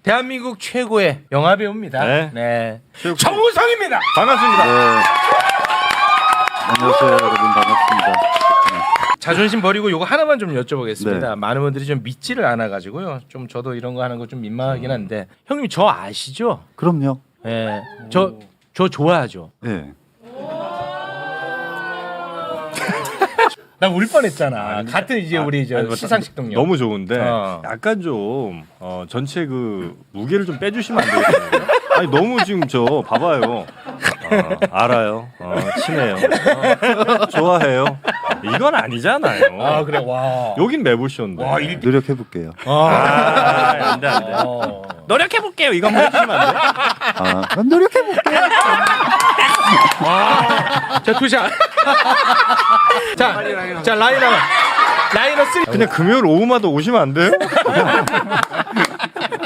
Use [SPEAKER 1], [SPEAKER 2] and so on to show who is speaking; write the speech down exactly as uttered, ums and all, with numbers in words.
[SPEAKER 1] 대한민국 최고의 영화 배우입니다.
[SPEAKER 2] 네.
[SPEAKER 1] 네.
[SPEAKER 2] 최고.
[SPEAKER 1] 정우성입니다.
[SPEAKER 2] 반갑습니다.
[SPEAKER 3] 네. 안녕하세요, 여러분. 반갑습니다.
[SPEAKER 1] 자존심 버리고 요거 하나만 좀 여쭤보겠습니다.
[SPEAKER 3] 네.
[SPEAKER 1] 많은 분들이 좀 믿지를 않아 가지고요. 좀 저도 이런 거 하는 거 좀 민망하긴 한데 형님 저 아시죠?
[SPEAKER 3] 그럼요.
[SPEAKER 1] 예. 저 저 좋아하죠.
[SPEAKER 3] 네.
[SPEAKER 1] 나 울 뻔했잖아.
[SPEAKER 2] 아니,
[SPEAKER 1] 같은 이제 우리 저
[SPEAKER 2] 아니, 뭐,
[SPEAKER 1] 시상식 동료.
[SPEAKER 2] 너무 좋은데
[SPEAKER 1] 어.
[SPEAKER 2] 약간 좀 어, 전체 그 무게를 좀 빼주시면 안 되겠어요? 아니 너무 지금 저 봐봐요. 어, 알아요. 어, 친해요. 어, 좋아해요. 이건 아니잖아요.
[SPEAKER 1] 아 그래 와.
[SPEAKER 2] 여긴 매불쇼인데.
[SPEAKER 1] 와, 일-
[SPEAKER 3] 노력해 볼게요.
[SPEAKER 2] 아, 안돼 안돼.
[SPEAKER 1] 어.
[SPEAKER 2] 노력해 볼게요. 이거 한번 해주시면 안 돼?
[SPEAKER 3] 아, 그럼 노력해 볼게요.
[SPEAKER 1] 자 투샷. 자, 자 라이너 라이너 쓰리.
[SPEAKER 2] 그냥 금요일 오후마다 오시면 안 돼요?